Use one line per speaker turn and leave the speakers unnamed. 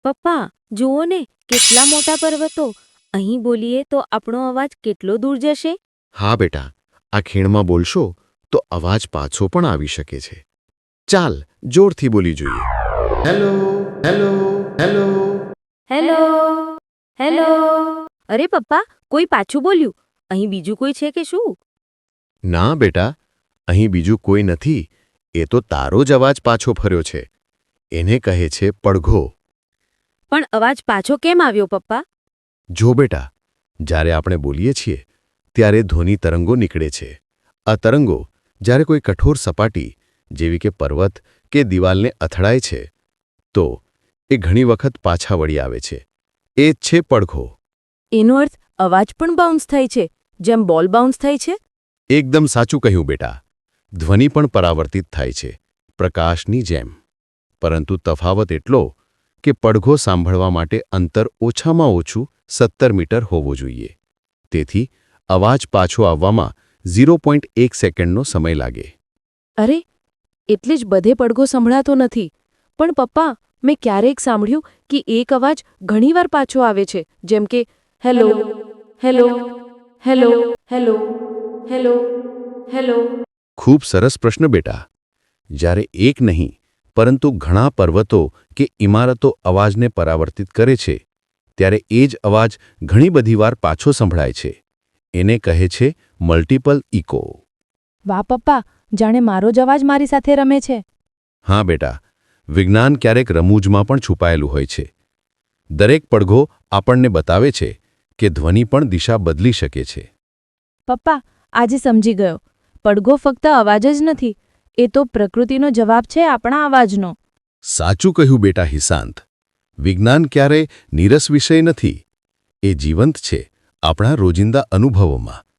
પપ્પા, જુઓ ને કેટલા મોટા પર્વતો! અહીં બોલીએ તો આપણો અવાજ કેટલો દૂર જશે?
હા બેટા, આ ખીણમાં બોલશો તો અવાજ પાછો પણ આવી શકે છે. ચાલ જોરથી બોલી જોઈએ. Hello hello hello.
Hello hello. અરે પપ્પા, કોઈ પાછું બોલ્યું. અહીં બીજું કોઈ છે કે શું?
ના બેટા, અહીં બીજું કોઈ નથી. એ તો તારો જ અવાજ પાછો ફર્યો છે. એને કહે છે પડઘો.
પણ અવાજ પાછો કેમ આવ્યો પપ્પા?
જો બેટા, જ્યારે આપણે બોલીએ છીએ ત્યારે ધ્વનિ તરંગો નીકળે છે. આ તરંગો જ્યારે કોઈ કઠોર સપાટી જેવી કે પર્વત કે દિવાલને અથડાય છે તો એ ઘણી વખત પાછા વળી આવે છે. એ જ છે પડઘો.
એનો અર્થ અવાજ પણ બાઉન્સ થાય છે, જેમ બોલ બાઉન્સ થાય છે?
એકદમ સાચું કહ્યું બેટા. ધ્વનિ પણ પરાવર્તિત થાય છે, પ્રકાશની જેમ. પરંતુ તફાવત એટલો કે પડઘો સાંભળવા માટે અંતર ઓછામાં ઓછું 17 મીટર હોવું જોઈએ. તેથી અવાજ પાછો આવવામાં 0.1 સેકન્ડનો સમય લાગે.
અરે, એટલે જ બધે પડઘો સંભળાતો નથી. પણ પપ્પા, મેં ક્યારેક સાંભળ્યું કે એક અવાજ ઘણીવાર પાછો આવે છે, જેમ કે hello hello hello hello hello hello.
ખૂબ સરસ પ્રશ્ન બેટા. જ્યારે એક નહીં પરંતુ ઘણા પર્વતો કે ઇમારતો અવાજને પરાવર્તિત કરે છે ત્યારે એ જ અવાજ ઘણી બધી વાર પાછો સંભળાય છે. એને કહે છે મલ્ટિપલ ઇકો.
વાહ પપ્પા, જાણે મારો જ અવાજ મારી સાથે રમે છે.
હા બેટા, વિજ્ઞાન ક્યારેક રમૂજમાં પણ છુપાયેલું હોય છે. દરેક પડઘો આપણને બતાવે છે કે ધ્વનિ પણ દિશા બદલી શકે છે.
પપ્પા, આજે સમજી ગયો. પડઘો ફક્ત અવાજ જ નથી, એ તો પ્રકૃતિનો જવાબ છે આપણા અવાજનો.
સાચું કહ્યું બેટા હિસાંત. વિજ્ઞાન ક્યારેય નીરસ વિષય નથી. એ જીવંત છે આપણા રોજિંદા અનુભવોમાં.